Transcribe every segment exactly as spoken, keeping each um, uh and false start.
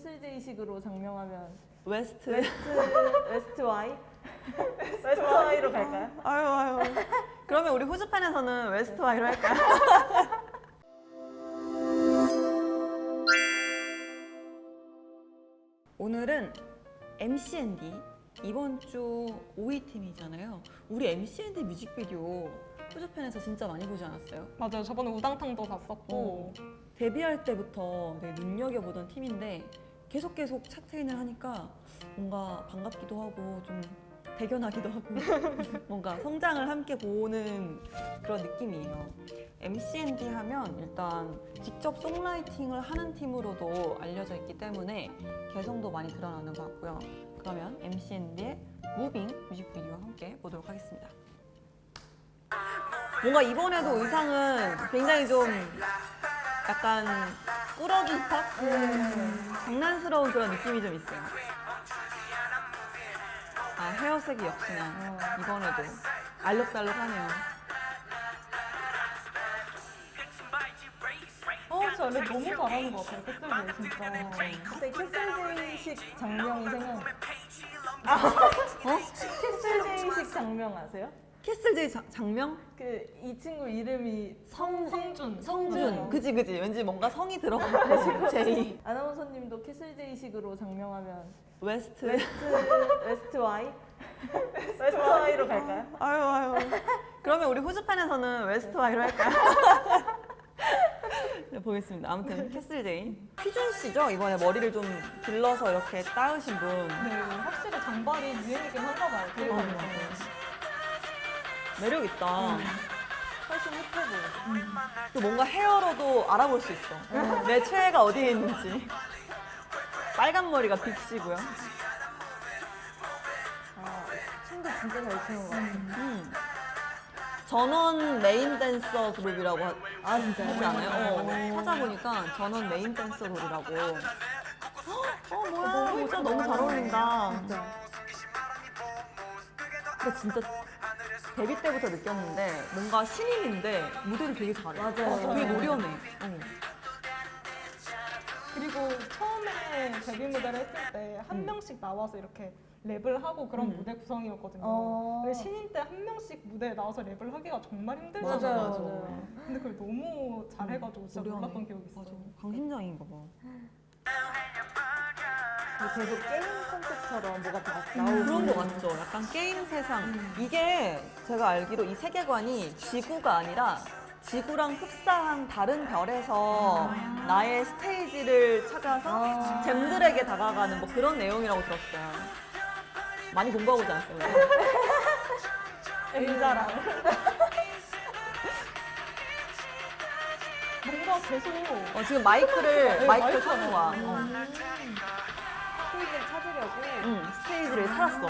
캐슬제이식으로 장명하면 웨스트. 웨스트 웨스트 와이? 웨스트 와이로 갈까요? 아유 아유. 그러면 우리 후즈팬에서는 웨스트 와이로 할까요? 오늘은 엠씨앤디 이번 주 오 위 팀이잖아요. 우리 엠씨앤디 뮤직비디오 후즈팬에서 진짜 많이 보지 않았어요? 맞아요. 저번에 우당탕도 봤었고. 어, 데뷔할 때부터 되게 눈여겨보던 팀인데 계속 계속 차트인을 하니까 뭔가 반갑기도 하고 좀 대견하기도 하고 뭔가 성장을 함께 보는 그런 느낌이에요. 엠씨앤디 하면 일단 직접 송라이팅을 하는 팀으로도 알려져 있기 때문에 개성도 많이 드러나는 것 같고요. 그러면 엠씨앤디의 무빙 뮤직비디오와 함께 보도록 하겠습니다. 뭔가 이번에도 의상은 굉장히 좀 약간 꾸러기 힙합? 음, 장난스러운 그런 느낌이 좀 있어요. 아, 헤어색이 역시나 이번에도 알록달록하네요. 어, 저 랩 너무 잘하는 것 같아요. 캐슬제 진짜. 갑자기 캐슬제이식 장명이 생각나. 어? 캐슬제이식 장명 아세요? 캐슬제이 자- 장명? 그 이 친구 이름이 성, 성준. 성준. 어. 그지 그지. 왠지 뭔가 성이 들어가는 제이. 아나운서님도 캐슬제이식으로 장명하면 웨스트. 웨스트 웨스트 와이? 웨스트 와이로 갈까요? 아유 아유. 그러면 우리 후즈팬에서는 웨스트 와이로 할까요? 네, 보겠습니다. 아무튼 캐슬제이. 휘준 씨죠? 이번에 머리를 좀 길러서 이렇게 따으신 분. 네, 확실히 장발이 유행이긴 한가 봐요. 맞아, 케이팝에서. 맞아. 매력 있다. 훨씬 힙해 보여. 또 뭔가 헤어로도 알아볼 수 있어. 내 최애가 어디에 있는지. 빨간 머리가 빅시고요. 아, 춤도 진짜 잘 추는 것 같아요. 음. 전원 메인 댄서 그룹이라고 하, 아 진짜요? 하지 않아요? 어, 찾아보니까 전원 메인 댄서 그룹이라고. 어 뭐야, 진짜 너무 잘 어울린다. 근데 진짜 데뷔 때부터 느꼈는데 뭔가 신인인데 무대를 되게 잘해. 맞아요. 되게 노련해. 어. 그리고 처음에 데뷔 무대를 했을 때 한 음. 명씩 나와서 이렇게 랩을 하고 그런 음. 무대 구성이었거든요. 어. 근데 신인 때 한 명씩 무대에 나와서 랩을 하기가 정말 맞아, 힘들잖아요. 맞아요, 맞아. 맞아요. 근데 그걸 너무 잘해가지고 진짜 노련해. 놀랐던 기억이 있어요. 맞아. 강심장인가 봐. 계속 게임 컨셉처럼 뭐가 다 음, 나오고 그런 거 같죠. 약간 게임 세상. 이게 제가 알기로 이 세계관이 지구가 아니라 지구랑 흡사한 다른 별에서 나의 스테이지를 찾아서 아. 잼들에게 다가가는 뭐 그런 내용이라고 들었어요. 많이 공부하고 오지 않았어요? 의자랑 뭔가 계속 어, 지금 마이크를 네, 마이크를 마이크가 찾는 거야. 나와요. 어. 스테이지를 찾으려고 응, 스테이지를 찾았어.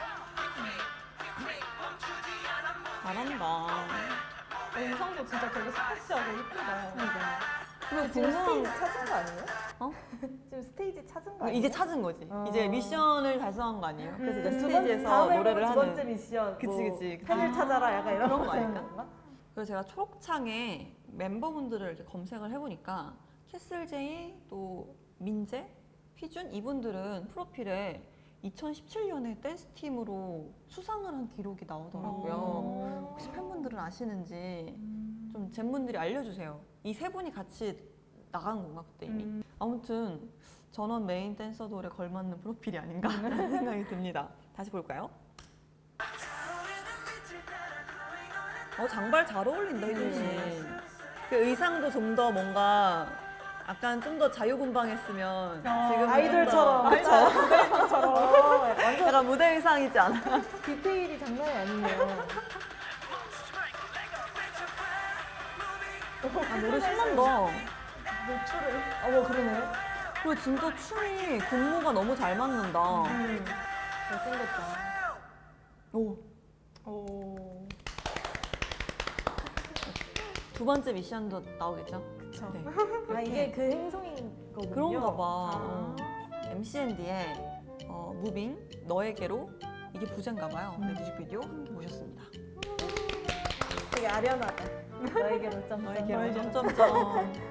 잘한다. 의상도 진짜 되게 스포츠하고 예쁘다. 그리고 지금 궁금한 스테이지 찾은 거 아니에요? 어? 지금 스테이지 찾은 거 아니에요? 이제 찾은 거지. 어. 이제 미션을 달성한 거 아니에요? 그래서 이제 두 번, 스테이지에서 다음 노래를 앨범 두 번째 하는. 미션 그치, 뭐 그치. 팬을 찾아라 약간 이런 그런 거 거 되는 아닐까? 건가? 그래서 제가 초록창에 멤버분들을 이렇게 검색을 해보니까 캐슬제이, 또 민재, 휘준 이분들은 프로필에 이천십칠 년에 댄스팀으로 수상을 한 기록이 나오더라고요. 오. 혹시 팬분들은 아시는지 좀 젠분들이 알려주세요. 이 세 분이 같이 나간 건가 그때 이미? 음. 아무튼 전원 메인 댄서 돌에 걸맞는 프로필이 아닌가 라는 생각이 듭니다. 다시 볼까요? 어, 장발 잘 어울린다 휘준 씨. 그 의상도 좀 더 뭔가 약간 좀 더 자유분방했으면 아, 지금 아이돌처럼. 그쵸? 어, 완전 약간 무대 의상이지 않아? 디테일이 장난이 아니네요. 아, 노래 신난다. 노출을. 어머 그러네요. 그리고 진짜 춤이 군무가 너무 잘 맞는다. 음. 잘생겼다. 오, 오. 두 번째 미션도 나오겠죠? 그쵸. 네. 아 이게 그 행성인 거군요. 그런가 봐. 아. 어. 엠씨앤디의 어, 무빙 너에게로 이게 부제인가 봐요. 네, 뮤직비디오 함께 보셨습니다. 되게 아련하다. 너에게로 점 너에게로 너에게로. 점점점.